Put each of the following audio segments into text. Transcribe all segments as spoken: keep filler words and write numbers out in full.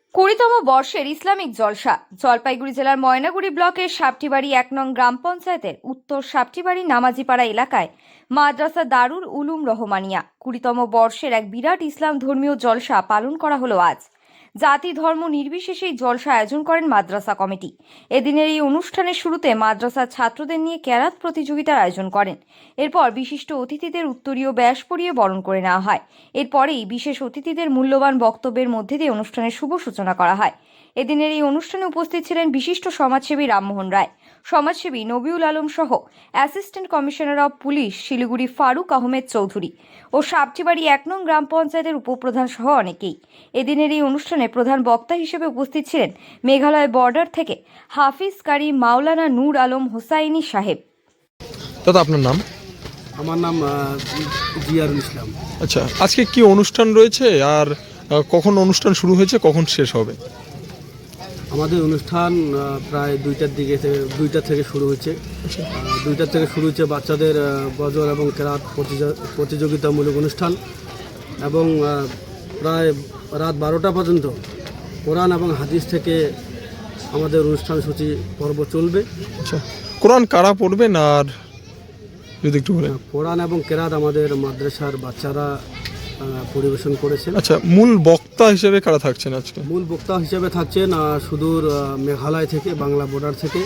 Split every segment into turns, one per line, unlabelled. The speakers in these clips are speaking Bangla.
কুড়িতম বর্ষের ইসলামিক জলসা জলপাইগুড়ি জেলার ময়নাগুড়ি ব্লকের সাপটিবাড়ি এক নং গ্রাম পঞ্চায়েতের উত্তর সাপটিবাড়ি নামাজিপাড়া এলাকায় মাদ্রাসা দারুল উলুম রহমানিয়া কুড়িতম বর্ষের এক বিরাট ইসলাম ধর্মীয় জলসা পালন করা হলো আজ। জাতি ধর্ম নির্বিশেষে এই জলসা আয়োজন করেন মাদ্রাসা কমিটি। এদিনের এই অনুষ্ঠানের শুরুতে মাদ্রাসার ছাত্রদের নিয়ে ক্যারাত প্রতিযোগিতার আয়োজন করেন। এরপর বিশিষ্ট অতিথিদের উত্তরীয় ব্যাস পরিয়ে বরণ করে নেওয়া হয়। এরপরেই বিশেষ অতিথিদের মূল্যবান বক্তব্যের মধ্যে দিয়ে অনুষ্ঠানের শুভ সূচনা করা হয়। এদিনের এই অনুষ্ঠানে উপস্থিত ছিলেন বিশিষ্ট সমাজসেবী রামমোহন রায়, সমাজসেবী নবিউল আলম সহ assistant commissioner of police Siliguri Farooq Ahmed Chowdhury ও সাপটিবাড়ি এক নং গ্রাম পঞ্চায়েতের উপপ্রধান সহ অনেকেই। এদিনের এই অনুষ্ঠানে প্রধান বক্তা হিসেবে উপস্থিত ছিলেন মেঘালয় বর্ডার থেকে হাফিজ কারি মাওলানা নূর আলম হোসাইনি সাহেব।
দাদা আপনার নাম?
আমার নাম জিয়ারুল ইসলাম।
আচ্ছা, আজকে কি অনুষ্ঠান রয়েছে আর কখন অনুষ্ঠান শুরু হয়েছে, কখন শেষ হবে?
আমাদের অনুষ্ঠান প্রায় দুইটার দিকে দুইটা থেকে শুরু হয়েছে। দুইটার থেকে শুরু হচ্ছে বাচ্চাদের গজল এবং কেরাত প্রতিযোগিতামূলক অনুষ্ঠান এবং প্রায় রাত বারোটা পর্যন্ত কোরআন এবং হাদিস থেকে আমাদের অনুষ্ঠান সূচি পর্ব চলবে।
আচ্ছা, কোরআন কারা পড়বেন আর যদি একটু বলেন?
কোরআন এবং কেরাত আমাদের মাদ্রাসার বাচ্চারা পরিবেশন করেছেন।
আচ্ছা, মূল বক্তা হিসেবে কারা থাকছেন আজকে?
মূল বক্তা হিসেবে থাকছেন সুদূর মেঘালয় থেকে, বাংলা বর্ডার থেকে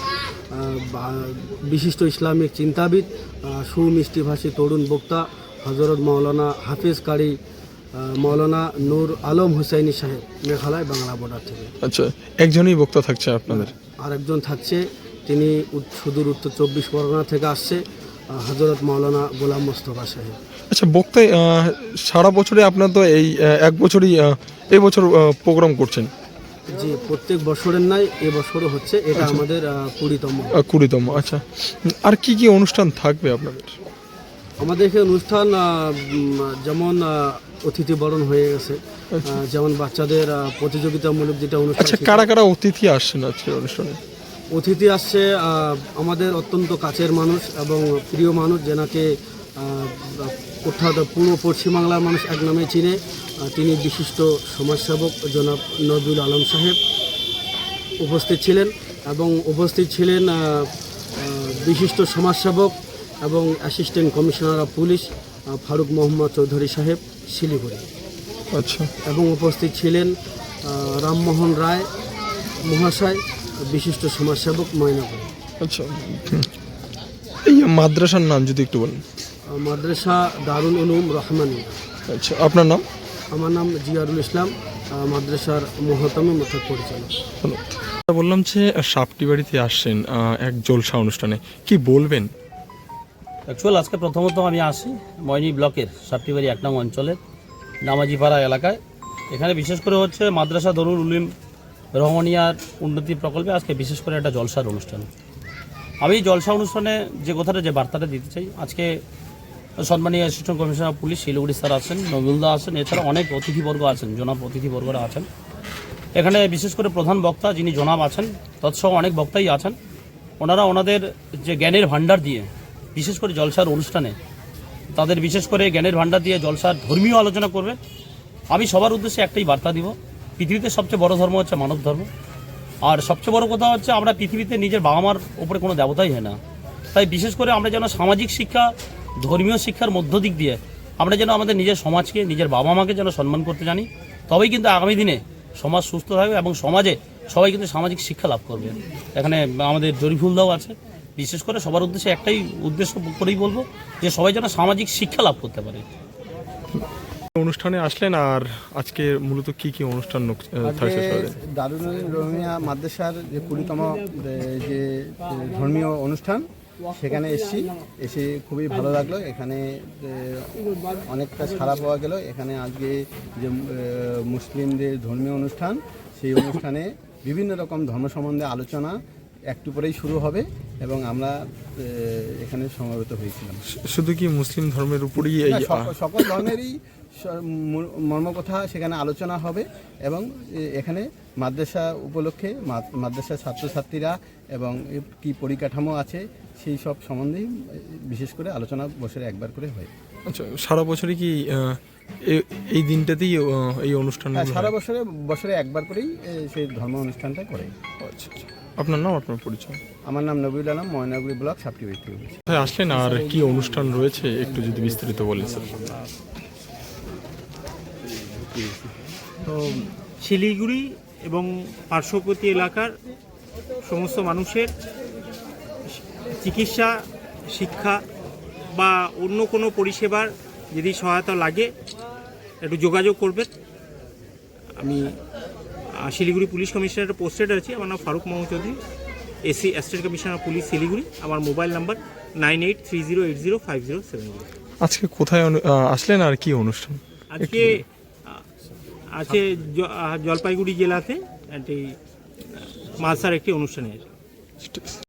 বিশিষ্ট ইসলামিক চিন্তাবিদ, সুমিষ্টিভাষী তরুণ বক্তা হজরত মাওলানা হাফিজ কারি মাওলানা নূর আলম হুসাইনি সাহেব, মেঘালয় বাংলা বর্ডার থেকে।
আচ্ছা, একজনই বক্তা থাকছে আপনাদের?
আরেকজন থাকছে, তিনি সুদূর উত্তর চব্বিশ পরগনা থেকে আসছে, হজরত মাওলানা গোলাম মোস্তফা সাহেব।
আচ্ছা, বক্তায় সারা বছরে আপনার তো এই এক বছরই এই বছর প্রোগ্রাম করছেন?
জি, প্রত্যেক বছরের নাই, এবছরও হচ্ছে। এটা আমাদের কুড়িতম
কুড়িতম আচ্ছা, আর কি কি অনুষ্ঠান থাকবে আপনাদের?
আমাদের এখানে অনুষ্ঠান যেমন অতিথি বরণ হয়ে গেছে, যেমন বাচ্চাদের প্রতিযোগিতামূলক যেটা অনুষ্ঠান।
আচ্ছা, কারা কারা অতিথি আসছেন আজকের অনুষ্ঠানে?
অতিথি আসছে আমাদের অত্যন্ত কাছের মানুষ এবং প্রিয় মানুষ, যেনাকে অর্থাৎ পুরো পশ্চিমবাংলার মানুষ এক নামে চিনে। তিনি বিশিষ্ট সমাজসেবক জনাব নবিউল আলম সাহেব উপস্থিত ছিলেন এবং উপস্থিত ছিলেন বিশিষ্ট সমাজসেবক এবং assistant commissioner of police Farooq Mohammad Chowdhury সাহেব, শিলিগুড়ি।
আচ্ছা,
এবং উপস্থিত ছিলেন রামমোহন রায় মহাশয়, বিশিষ্ট সমাজসেবক, ময়নাগুড়ি।
আচ্ছা, এই মাদ্রাসার নাম যদি একটু বলেন?
মাদ্রাসা দারুল উলুম রহমানিয়া।
আচ্ছা, আপনার নাম?
আমার নাম জিয়ারুল ইসলাম, মাদ্রাসার মহতম মথক পরিচালক।
বললাম যে সাপটিবাড়িতে আসছেন এক জলসা অনুষ্ঠানে, কি বলবেন?
অ্যাকচুয়াল আজকে প্রথমত আমি আসি ময়নি ব্লকের সাপটিবাড়ি এক নং অঞ্চলের নামাজিপাড়া এলাকায়। এখানে বিশেষ করে হচ্ছে মাদ্রাসা দারুল উলুম রহমানিয়ার উন্নতি প্রকল্পে আজকে বিশেষ করে একটা জলসার অনুষ্ঠান। আমি জলসা অনুষ্ঠানে যে কথাটা যে বার্তাটা দিতে চাই, আজকে সম্মানীয় assistant commissioner of police Siliguri sir আছেন, নবিউলদা আছেন, এছাড়া অনেক অতিথিবর্গ আছেন, জনাব অতিথিবর্গরা আছেন। এখানে বিশেষ করে প্রধান বক্তা যিনি জনাব আছেন, তৎসহ অনেক বক্তাই আছেন। ওনারা ওনাদের যে জ্ঞানের ভাণ্ডার দিয়ে বিশেষ করে জলসার অনুষ্ঠানে তাদের বিশেষ করে জ্ঞানের ভাণ্ডার দিয়ে জলসার ধর্মীয় আলোচনা করবে। আমি সবার উদ্দেশ্যে একটাই বার্তা দিব, পৃথিবীতে সবচেয়ে বড় ধর্ম হচ্ছে মানব ধর্ম। আর সবচেয়ে বড় কথা হচ্ছে আমরা পৃথিবীতে নিজের বাবা মার ওপরে কোনো দেবতাই হয় না। তাই বিশেষ করে আমরা যেন সামাজিক শিক্ষা, ধর্মীয় শিক্ষার মধ্য দিক দিয়ে আমরা যেন আমাদের নিজের সমাজকে, নিজের বাবা মাকে যেন সম্মান করতে জানি, তবেই কিন্তু আগামী দিনে সমাজ সুস্থ থাকবে এবং সমাজে সবাই কিন্তু সামাজিক শিক্ষা লাভ করবে। এখানে আমাদের জরিফুলদাও আছে। বিশেষ করে সবার উদ্দেশ্যে একটাই উদ্দেশ্য করেই বলবো যে সবাই যেন সামাজিক শিক্ষা লাভ করতে পারে।
অনুষ্ঠানে আসলেন, আর আজকে মূলত কি কি অনুষ্ঠান থাকছে?
দারুল উলুম রহমানিয়া মাদ্রাসার যে কুড়িতম যে ধর্মীয় অনুষ্ঠান, সেখানে এসেছি, এসে খুবই ভালো লাগলো। এখানে অনেকটা সাড়া পাওয়া গেল। এখানে আজকে যে মুসলিমদের ধর্মীয় অনুষ্ঠান, সেই অনুষ্ঠানে বিভিন্ন রকম ধর্ম সম্বন্ধে আলোচনা একটু পরেই শুরু হবে এবং আমরা এখানে সমবেত হয়েছিলাম।
শুধু কি মুসলিম ধর্মের উপরই?
সকল ধর্মেরই মর্মকথা সেখানে আলোচনা হবে এবং এখানে মাদ্রাসা উপলক্ষে মাদ্রাসার ছাত্রছাত্রীরা এবং কি পরিকাঠামো আছে সেই সব সম্বন্ধেই বিশেষ করে আলোচনা বছরে একবার করে হয়।
আচ্ছা, সারা বছরই কি এ- এই দিনটাতেই আহ, এই অনুষ্ঠান
হ্যাঁ, সারা বছরে বছরে একবার করেই এ, সেই ধর্ম অনুষ্ঠানটা করে।
আচ্ছা আচ্ছা। আপনার নাম, আপনার পরিচয়?
আমার নাম নবীল আলম, ময়নাগুড়ি ব্লক সাপটিবাড়ি থেকে বলছি।
কোথায় আসলেন আর কি অনুষ্ঠান রয়েছে একটু যদি বিস্তারিত বলেন স্যার।
তো শিলিগুড়ি এবং পার্শ্ববর্তী এলাকার সমস্ত মানুষের চিকিৎসা, শিক্ষা বা অন্য কোনো পরিষেবার যদি সহায়তা লাগে একটু যোগাযোগ করবেন। আমি আহ, শিলিগুড়ি পুলিশ কমিশনারের পোস্টেড আছি। আমার নাম Farooq Mohammad Chowdhury, AC assistant commissioner police Siliguri. আমার mobile number nine eight three zero eight zero five zero seven zero.
আজকে কোথায় অনু- আহ, আসলেন আর কি অনুষ্ঠান?
আজকে আহ, আছে জ- আহ, জলপাইগুড়ি জেলাতে একটি মালসার একটি অনুষ্ঠানে আছে।